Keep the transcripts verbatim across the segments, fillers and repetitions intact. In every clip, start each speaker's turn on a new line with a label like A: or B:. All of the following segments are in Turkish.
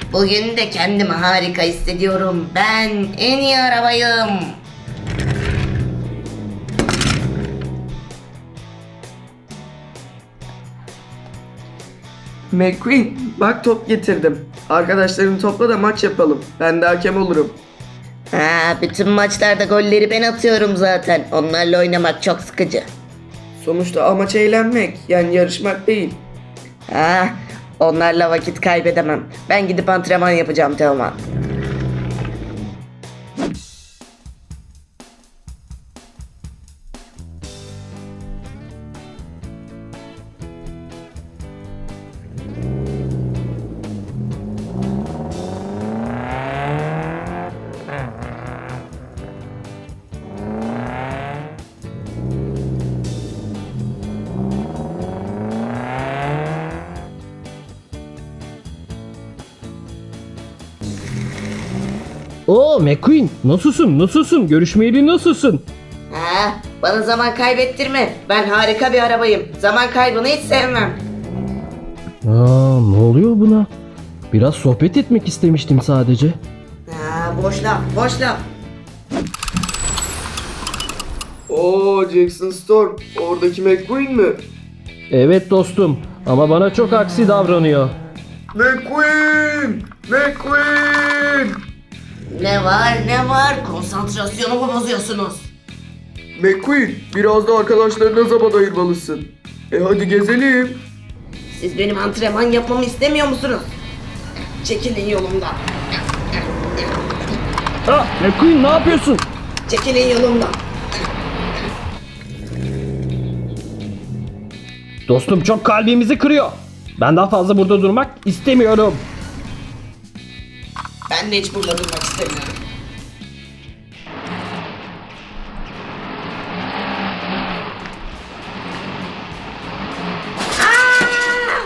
A: Bugün de kendimi harika hissediyorum. Ben en iyi arabayım.
B: McQueen, bak top getirdim. Arkadaşlarını topla da maç yapalım. Ben de hakem olurum.
A: Ha, bütün maçlarda golleri ben atıyorum zaten. Onlarla oynamak çok sıkıcı.
B: Sonuçta amaç eğlenmek, yani yarışmak değil.
A: Ha, onlarla vakit kaybedemem. Ben gidip antrenman yapacağım Teoman.
C: Oo McQueen, nasılsın nasılsın görüşmeyeli nasılsın?
A: Ha, bana zaman kaybettirme. Ben harika bir arabayım. Zaman kaybını hiç sevmem.
C: Aa, ne oluyor buna? Biraz sohbet etmek istemiştim sadece.
A: Ha, boş laf, boş laf.
B: Oo, Jackson Storm, oradaki McQueen mi?
C: Evet dostum, ama bana çok aksi davranıyor.
B: McQueen! McQueen!
A: Ne var ne var? Konsantrasyonumu bozuyorsunuz.
B: McQueen, biraz da arkadaşlarına zaman ayırmalısın. E hadi gezelim.
A: Siz benim antrenman yapmamı istemiyor musunuz? Çekilin yolumdan.
C: Ha, McQueen ne yapıyorsun?
A: Çekilin yolumdan.
C: Dostum çok kalbimizi kırıyor. Ben daha fazla burada durmak istemiyorum.
A: Ben de hiç burada durmak istemiyorum. Aa!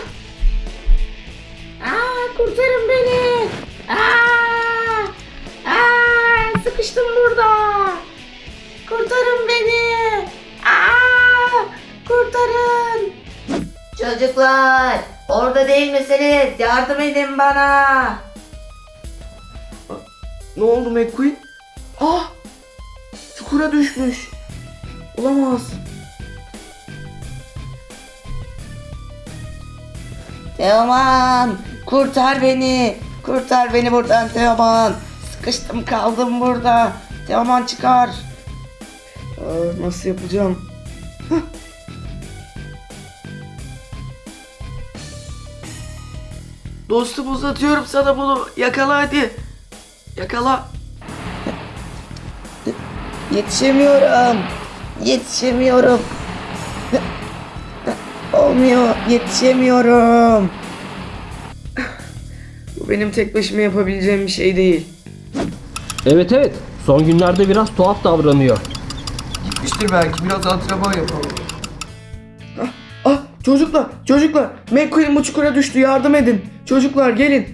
A: Aa, kurtarın beni. Aa! Aa, sıkıştım burada. Kurtarın beni. Aa! Kurtarın. Çocuklar, orada değil misiniz? Yardım edin bana.
B: Ne oldu McQueen? Ah! Çukura düşmüş. Olamaz.
A: Teoman, kurtar beni. Kurtar beni buradan Teoman. Sıkıştım kaldım burada. Teoman çıkar.
B: Aa, nasıl yapacağım? Hah. Dostum, uzatıyorum sana bunu. Yakala hadi. Yakala.
A: Yetişemiyorum. Yetişemiyorum. Olmuyor. Yetişemiyorum.
B: Bu benim tek başıma yapabileceğim bir şey değil.
C: Evet evet, son günlerde biraz tuhaf davranıyor.
B: Gitmiştir belki. Biraz antrenman yapalım. Ah, ah, çocuklar, çocuklar. McQueen bu çukura düştü. Yardım edin. Çocuklar gelin.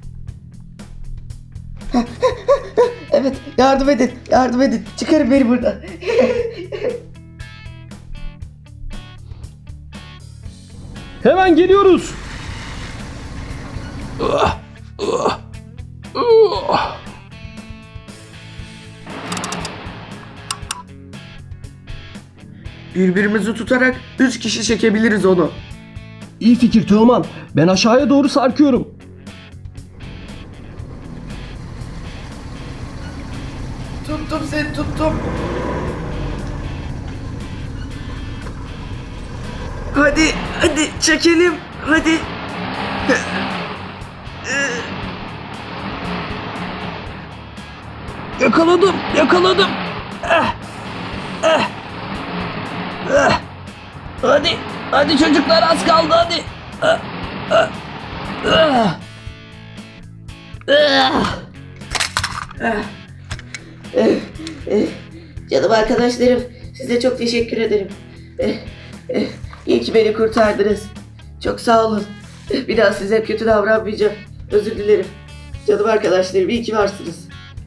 A: Evet, yardım edin. Yardım edin. Çıkarın beni buradan.
C: Hemen geliyoruz.
B: Birbirimizi tutarak üç kişi çekebiliriz onu.
C: İyi fikir Teoman. Ben aşağıya doğru sarkıyorum.
B: Tuttum seni, tuttum. Hadi, hadi çekelim. Hadi.
C: Yakaladım, yakaladım. Eh, eh, eh. Hadi, hadi çocuklar az kaldı hadi. Eh, eh, eh. Eh.
A: Canım arkadaşlarım, size çok teşekkür ederim. Eh, eh, iyi ki beni kurtardınız. Çok sağ olun. Eh, Bir daha size kötü davranmayacağım. Özür dilerim. Canım arkadaşlarım, iyi ki varsınız.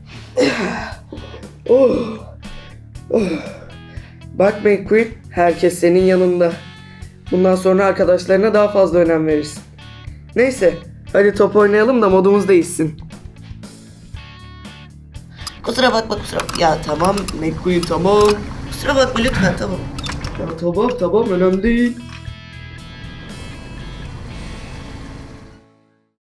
B: Oh. Oh. Bak McQueen, herkes senin yanında. Bundan sonra arkadaşlarına daha fazla önem verirsin. Neyse, Hadi top oynayalım da modumuz değişsin.
A: Kusura bakma kusura bakma. Ya tamam.
B: McQueen tamam.
A: Kusura bakma lütfen tamam.
B: Ya tamam tamam önemli değil.